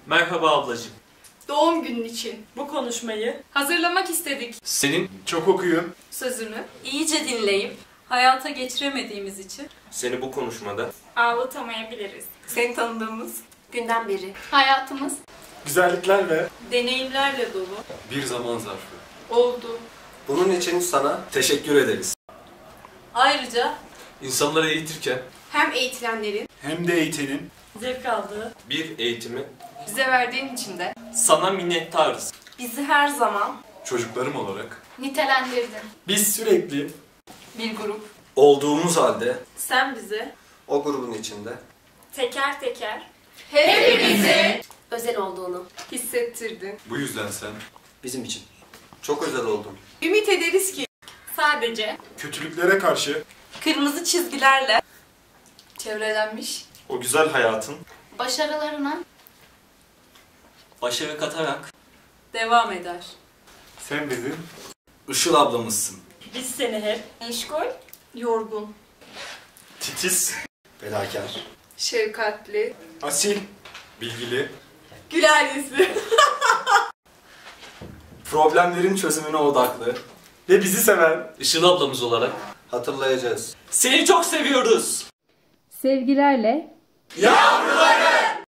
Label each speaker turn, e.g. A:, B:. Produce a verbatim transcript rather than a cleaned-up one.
A: Merhaba ablacığım.
B: Doğum günün için
A: Bu konuşmayı
B: hazırlamak istedik.
C: Senin çok okuyun.
B: Sözünü
D: İyice dinleyip hayata geçiremediğimiz için
A: seni bu konuşmada
B: ağlatamayabiliriz.
D: seni tanıdığımız günden beri
B: Hayatımız
C: Güzellikler ve
D: deneyimlerle dolu
C: bir zaman zarfı.
B: oldu.
E: Bunun için sana teşekkür ederiz.
D: ayrıca
C: İnsanları eğitirken
B: Hem eğitilenlerin
C: hem de eğitenin
D: zevk aldığı
A: bir eğitimi
B: bize verdiğin için de
A: sana minnettarız.
D: bizi her zaman
C: çocuklarım olarak
B: nitelendirdin.
C: biz sürekli
D: bir grup
E: Olduğumuz halde
D: sen bize
E: o grubun içinde
B: Teker teker
D: hepimizi özel olduğunu
B: hissettirdin.
C: bu yüzden sen
E: bizim için çok özel oldun.
B: Ümit ederiz ki sadece
C: kötülüklere karşı
D: kırmızı çizgilerle çevrelenmiş
A: O güzel hayatın
B: başarılarına
A: başarı katarak
D: devam eder.
C: sen bizim
E: Işıl ablamızsın.
D: Biz seni hep
B: meşgul,
D: yorgun,
A: titiz,
E: Fedakar.
B: şefkatli,
C: asil, bilgili,
B: güler yüzlü
E: Problemlerin çözümüne odaklı.
C: ve bizi seven
A: Işıl ablamız olarak
E: Hatırlayacağız.
A: seni çok seviyoruz.
F: Sevgilerle
C: yavruları